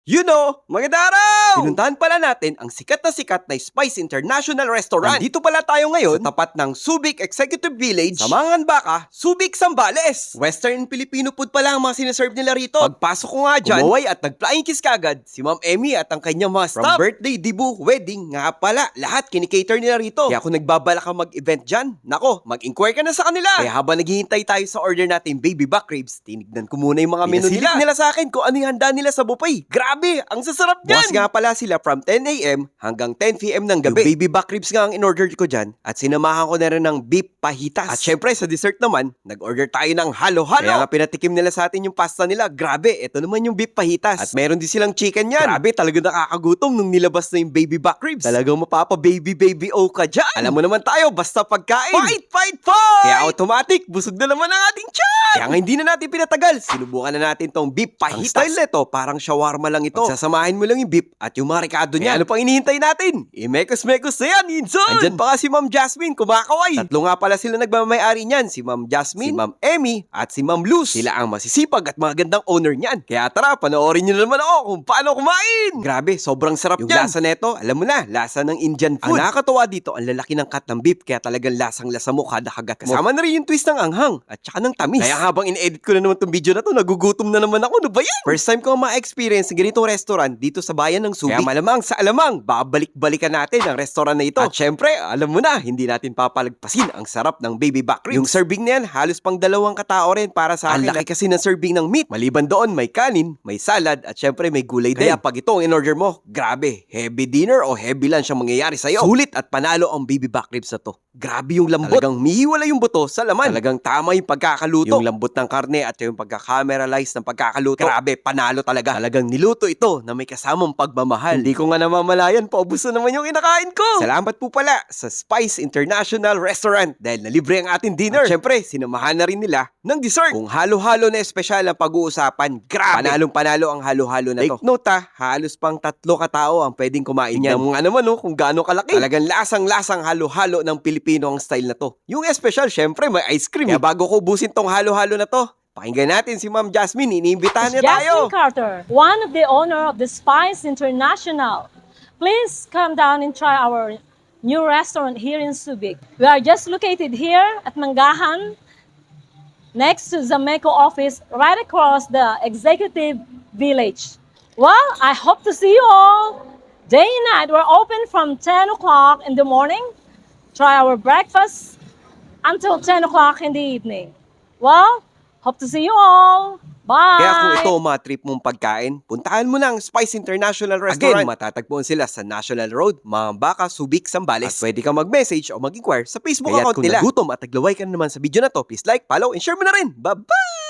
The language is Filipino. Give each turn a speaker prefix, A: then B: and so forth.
A: Magandang araw! Pinuntahan pala natin ang sikat na Spice International Restaurant. Dito pala tayo ngayon sa tapat ng Subic Executive Village sa Manganbaca, Subic, Zambales. Western Filipino food pala ang mga sinaserve nila rito. Pagpasok ko nga dyan, umuway at nag-flying kiss kagad si Ma'am Emmy at ang kanyang mga staff. From birthday, dibu, wedding, nga pala, lahat kinikater nila rito. Kaya kung nagbabalak ka mag-event dyan, nako, mag-inquire ka na sa kanila. Kaya habang naghihintay tayo sa order natin baby back ribs, tinignan ko muna yung mga menu nila. Nila sa akin kung ano yung handa nila sa buffet. Grabe, ang sasarap niyan! Bukas nga pala sila from 10 a.m. hanggang 10 p.m. ng gabi. Yung baby back ribs nga ang in-order ko dyan at sinamahan ko na rin ng beef fajitas. At syempre sa dessert naman, nag-order tayo ng halo-halo. Kaya nga pinatikim nila sa atin yung pasta nila. Grabe, ito naman yung beef fajitas. At meron din silang chicken yan. Grabe, talagang nakakagutom nung nilabas na yung baby back ribs. Talagang mapapa-baby o ka dyan. Alam mo naman tayo, basta pagkain. Fight! Kaya automatic, busog na naman ang ating tiyan! Kaya nga hindi na natin pinatagal. Sinubukan na natin tong beef fajitas. Ang style nito, parang shawarma lang ito. Sasamahin mo lang yung beef at yung mga ricado niya. Ano pang hinihintay natin? Imekos-mekos na yan, Inson! Andyan pa si Ma'am Jasmine, kumakaway. Tatlo nga pala sila nagmamayari niyan. Si Ma'am Jasmine, si Ma'am Emmy, at si Ma'am Luz. Sila ang masisipag at magandang owner niyan. Kaya tara, panoorin nyo na naman ako kung paano kumain. Grabe, sobrang sarap yung lasa neto. Alam mo na, lasa ng Indian food. Ang nakakatawa dito, ang lalaki ng cut ng beef, kaya talagang lasang-lasa mo kada kagat mo. Kasama na rin yung twist ng anghang at saka ng tamis. Kaya habang in-edit ko na naman tong video na to, nagugutom na naman ako. Ano ba yan? First time ko ma-experience ng ganitong restaurant dito sa bayan ng Subic. Kaya malamang sa alamang, babalik-balikan natin ang restaurant na ito. At syempre, alam mo na, hindi natin papalagpasin ang sarap ng baby back ribs. Yung serving na yan, halos pang 2 katao rin para sa akin. Ang laki kasi ng serving ng meat. Maliban doon, may kanin, may salad, at syempre may gulay din. Kaya pag ito ang in-order mo, grabe, heavy dinner o heavy lunch ang mangyayari sa'yo. Sulit at panalo ang baby back ribs na to. Grabe yung lambot. Talagang mihiwala yung buto sa laman. Talagang tama yung pagkakaluto. Yung lambot ng karne at yung pagka-cameralize ng pagkakaluto. Grabe, panalo talaga. Talagang niluto ito na may kasamang pagmamahal. Hindi ko nga namamalayan, paubos na naman yung kinakain ko. Salamat po pala sa Spice International Restaurant dahil nalibre ang ating dinner. At syempre, sinamahan na rin nila ng dessert. Kung halo-halo na espesyal ang pag-uusapan, grabe. Panalong-panalo ang halo-halo na to. Take note halos pang 3 katao ang pwedeng kumain yan. Tignan mo nga naman kung gaano kalaki. Talagang lasang-lasang halo-halo ng Pilipino ang style na to. Yung espesyal, syempre may ice cream. Kaya bago ko ubusin tong halo-halo na to, pakinggan natin si Ma'am Jasmine. Iniimbitahan niya tayo.
B: Jasmine Carter, one of the owner of the Spice International. Please come down and try our new restaurant here in Subic. We are just located here at Mangahan, next to Zameco office, right across the Executive Village. Well, I hope to see you all. Day and night, we're open from 10 o'clock in the morning. Try our breakfast until 10 o'clock in the evening. Well, hope to see you all. Bye!
A: Kaya kung ito ang mga trip mong pagkain, puntahan mo na ang Spice International Restaurant. Again, matatagpuan sila sa National Road, Manganbaca, Subic, Zambales. At pwede kang mag-message o mag-inquire sa Facebook account nila. Kung nagutom at naglaway ka na naman sa video na to, please like, follow, and share mo na rin. Bye-bye!